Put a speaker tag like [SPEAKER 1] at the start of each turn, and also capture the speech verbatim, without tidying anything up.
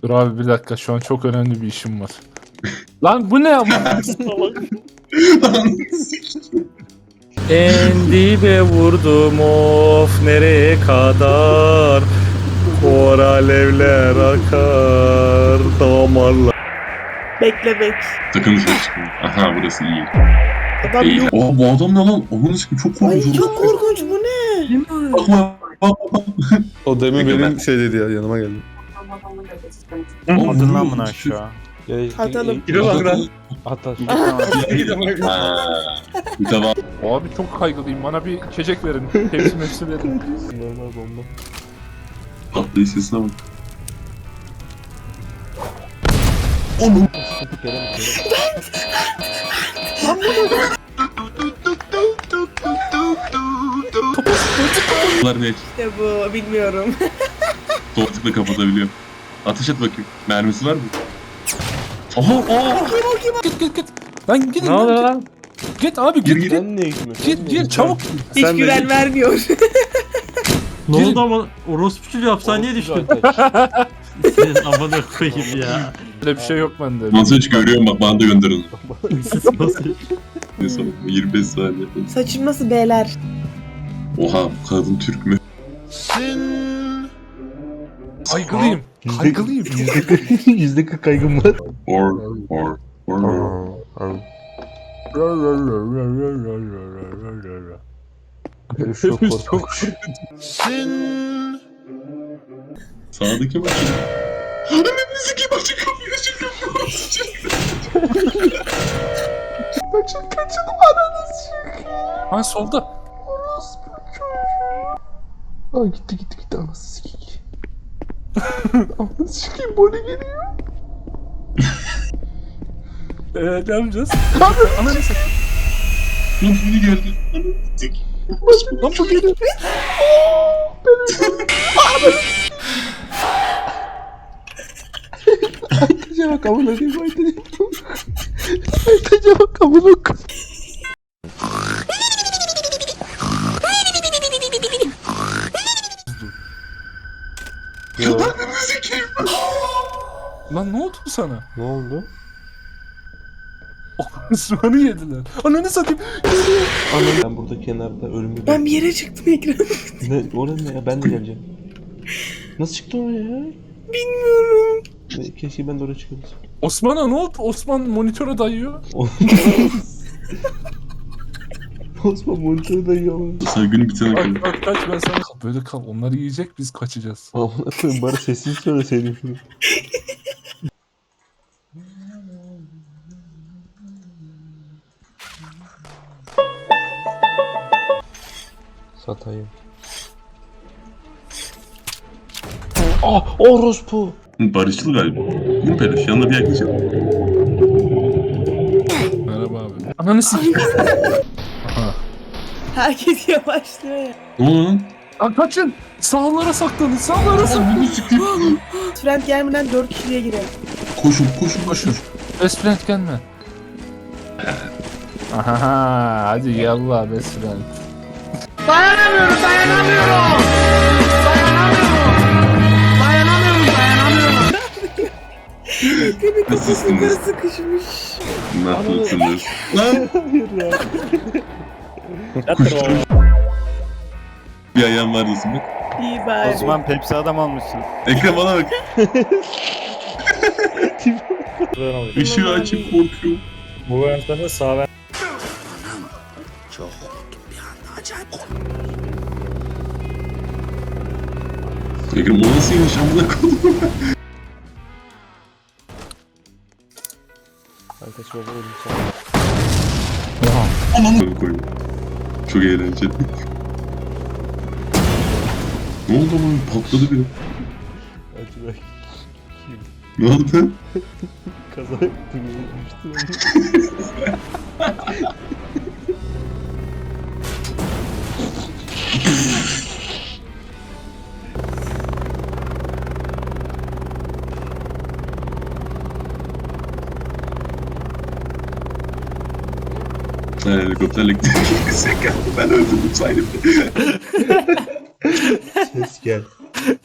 [SPEAKER 1] Dur abi bir dakika şu an çok önemli bir işim var. Lan bu ne ama? En dibe vurdum of nereye kadar kor alevler akar damarlar.
[SPEAKER 2] Bekle bek.
[SPEAKER 3] Sakın dışarı çıkmayın. Aha burası iyi.
[SPEAKER 2] Adam
[SPEAKER 3] İyi.
[SPEAKER 2] yok.
[SPEAKER 3] Oha bu adam ne lan? Onun için çok
[SPEAKER 2] Ay
[SPEAKER 3] korkunç.
[SPEAKER 2] çok korkunç bu ne?
[SPEAKER 3] Bakma. Bakma.
[SPEAKER 4] O demin
[SPEAKER 3] Peki
[SPEAKER 4] benim
[SPEAKER 3] ben-
[SPEAKER 4] şey dedi ya yanıma geldi.
[SPEAKER 5] Atın lan bunu aşağı.
[SPEAKER 2] Atalım.
[SPEAKER 1] Gidin lan lan.
[SPEAKER 5] At aşağı.
[SPEAKER 3] Ha. Bir defa.
[SPEAKER 1] Abi çok kaygılıyım bana bir içecek verin. Hepsi hepsi verin.
[SPEAKER 5] Normal bomba.
[SPEAKER 3] Patlayış sesine bak. Onun.
[SPEAKER 5] Sıkıntı Kerem.
[SPEAKER 3] Bunlar ne?
[SPEAKER 2] İşte bu bilmiyorum.
[SPEAKER 3] Doğrultukla kapatabiliyor. Ateş et bakayım. Mermisi var mı? Aha! Aa!
[SPEAKER 1] Git git git. Lan gidin.
[SPEAKER 5] Ne
[SPEAKER 1] lan,
[SPEAKER 5] oluyor
[SPEAKER 1] git.
[SPEAKER 5] lan?
[SPEAKER 1] Git abi
[SPEAKER 3] Gir,
[SPEAKER 1] git
[SPEAKER 3] gir.
[SPEAKER 1] git.
[SPEAKER 5] Sen niye gitmiyorsun?
[SPEAKER 1] Git gir çabuk.
[SPEAKER 2] Hiç
[SPEAKER 4] Sen de
[SPEAKER 2] güven
[SPEAKER 4] git.
[SPEAKER 2] vermiyor.
[SPEAKER 6] Ne
[SPEAKER 1] Girin.
[SPEAKER 6] oldu ama orospu çocuğu hapishaneye düştü. Senin amına koyayım ya.
[SPEAKER 1] Öyle bir şey yok bende.
[SPEAKER 3] Nasıl hiç görüyorum bak bana da gönderin.
[SPEAKER 6] Nasıl?
[SPEAKER 3] Ne sonra? yirmi beş saniye.
[SPEAKER 2] Saçım nasıl beyler?
[SPEAKER 3] Oha kadın Türk mü?
[SPEAKER 1] Kaygılıyım. Kaygılıyım.
[SPEAKER 5] Yüzde kırk, yüzde kırk kaygım var.
[SPEAKER 3] Or or or.
[SPEAKER 5] Herif çok
[SPEAKER 1] Hepimiz
[SPEAKER 5] korkmuş.
[SPEAKER 3] Sağdaki bak. Ananı sikeyim açık kapıyı açık kapıyı açık.
[SPEAKER 5] Kaçın kaçın ananı sikeyim.
[SPEAKER 1] Ha solda.
[SPEAKER 5] Aa gitti gitti gitti anası sikeyim. Anası sikeyim Bonnie geliyor.
[SPEAKER 1] Eee ne yapacağız? Ananı satayım.
[SPEAKER 3] Lan beni geldi. Ananı sikeyim.
[SPEAKER 1] Lan bu geliyor.
[SPEAKER 5] Aytaca bak amına koyayım Aytaca. Aytaca bak amına koyayım.
[SPEAKER 3] Ananı sikeyim.
[SPEAKER 1] Lan ne oldu sana?
[SPEAKER 5] Ne oldu?
[SPEAKER 1] Osman'ı yediler. Ananı satayım.
[SPEAKER 5] Anam ben burada kenarda ölümü
[SPEAKER 2] Ben bir yere çıktım ekran.
[SPEAKER 5] Ne orada ne ya ben de geleceğim. Nasıl çıktı oraya ya?
[SPEAKER 2] Bilmiyorum.
[SPEAKER 5] Ne, keşke ben de oraya çıkabilsem.
[SPEAKER 1] Osman'a ne oldu? Osman monitöre dayıyor.
[SPEAKER 5] Osman monitörü de yiyor.
[SPEAKER 3] Sen günü bitene kadar.
[SPEAKER 1] Bak bak kaç ben sana böyle kal. Onları yiyecek biz kaçacağız.
[SPEAKER 5] Amına koyayım bari sessiz söyleseydin şunu. Satayım. Ah orospu.
[SPEAKER 3] Barışçıl galiba. Değil mi Peluş? Yanına bir yaklaşalım.
[SPEAKER 1] Merhaba abi. Ananı sikeyim. Aha.
[SPEAKER 2] Herkes yavaşlıyor ya.
[SPEAKER 3] Ne oldu lan?
[SPEAKER 1] Lan kaçın. Sağlara saklanın. Sağlara saklanın.
[SPEAKER 3] Ananı sikeyim.
[SPEAKER 2] Trend gelmeden dört kişiye girelim.
[SPEAKER 3] Koşun koşun koşun.
[SPEAKER 1] Best friend gelme. Aha, hadi yallah best friend.
[SPEAKER 2] Ekranın kafası
[SPEAKER 3] Nasılsınız?
[SPEAKER 2] yukarı sıkışmış.
[SPEAKER 3] Nasılsınız? Lan
[SPEAKER 5] Hayır ya.
[SPEAKER 3] bir ayağım var diyorsun bak.
[SPEAKER 2] İyi bari.
[SPEAKER 6] Osman Pepsi adam olmuşsun.
[SPEAKER 3] Ekrem bana bak. Işığı açıp korkuyorum.
[SPEAKER 6] Bu versiyonu sağ ver.
[SPEAKER 3] Ekrem o nasıl yemiş amına koydum.
[SPEAKER 5] Aytaç baba ölüm sana.
[SPEAKER 3] Ananı koyayım. Çok eğlenceli. Ne oldu lan? Patladı bir.
[SPEAKER 5] Hadi bak.
[SPEAKER 3] Ne oldu?
[SPEAKER 5] Kaza yaptım. Ölmüştüm.
[SPEAKER 3] Ha, helikopterle gittik. Ben öldürdüm saydım.
[SPEAKER 5] Ses gel.